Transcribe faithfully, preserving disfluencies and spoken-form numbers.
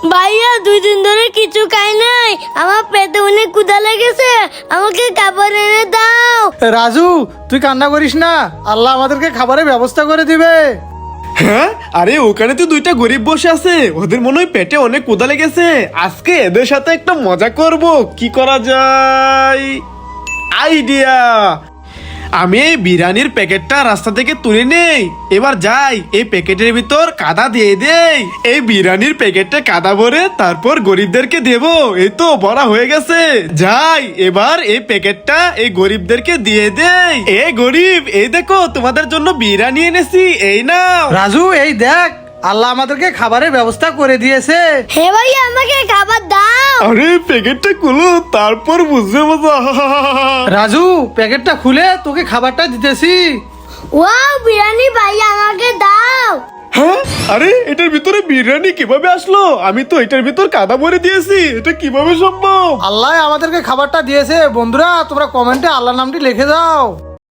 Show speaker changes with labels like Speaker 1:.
Speaker 1: ভাইয়া দুই দিন ধরে কিছু খাই নাই, আমার পেটে অনেক ক্ষুধা লেগেছে, আমাকে খাবার এনে দাও।
Speaker 2: রাজু তুই কান্না করিস না, আল্লাহ আমাদেরকে খাবারের ব্যবস্থা করে দিবে।
Speaker 3: হ্যাঁ, আরে ওখানে তো দুইটা গরিব বসে আছে, ওদের মনে হয় পেটে অনেক ক্ষুধা লেগেছে। আজকে এদের সাথে একটা মজা করব। কি করা যায়? আইডিয়া! আমি এই বিরিয়ানির প্যাকেটটা রাস্তা থেকে তুলে নেই, এবার যাই এই প্যাকেটের ভিতর কাদা দিয়ে দেই। এই বিরিয়ানির প্যাকেটে কাদা ভরে তারপর গরিবদেরকে দেব। এই তো ভরা হয়ে গেছে, যাই এবার এই প্যাকেটটা এই গরিবদেরকে দিয়ে দেই। এ গরিব, এই দেখো তোমাদের জন্য বিরিয়ানি এনেছি, এই নাও।
Speaker 2: রাজু এই দেখ, আল্লাহ আমাদেরকে খাবারের ব্যবস্থা করে দিয়েছে।
Speaker 1: হে ভাইয়া আমাকে খাবার দাও।
Speaker 3: আরে প্যাকেটটা খুলো, তারপর বুঝবে মজা।
Speaker 2: রাজু প্যাকেটটা খুলে তোকে খাবারটা দিতেছি।
Speaker 1: ওয়াও বিরিয়ানি, ভাইয়া আমাকে দাও।
Speaker 3: হ্যাঁ, আরে এটার ভিতরে বিরিয়ানি কিভাবে আসলো? আমি তো এটার ভিতর কাদা ভরে দিয়েছি, এটা কিভাবে সম্ভব?
Speaker 2: আল্লাহ আমাদেরকে খাবারটা দিয়েছে। বন্ধুরা তোমরা কমেন্টে আল্লাহ নামটি লিখে দাও।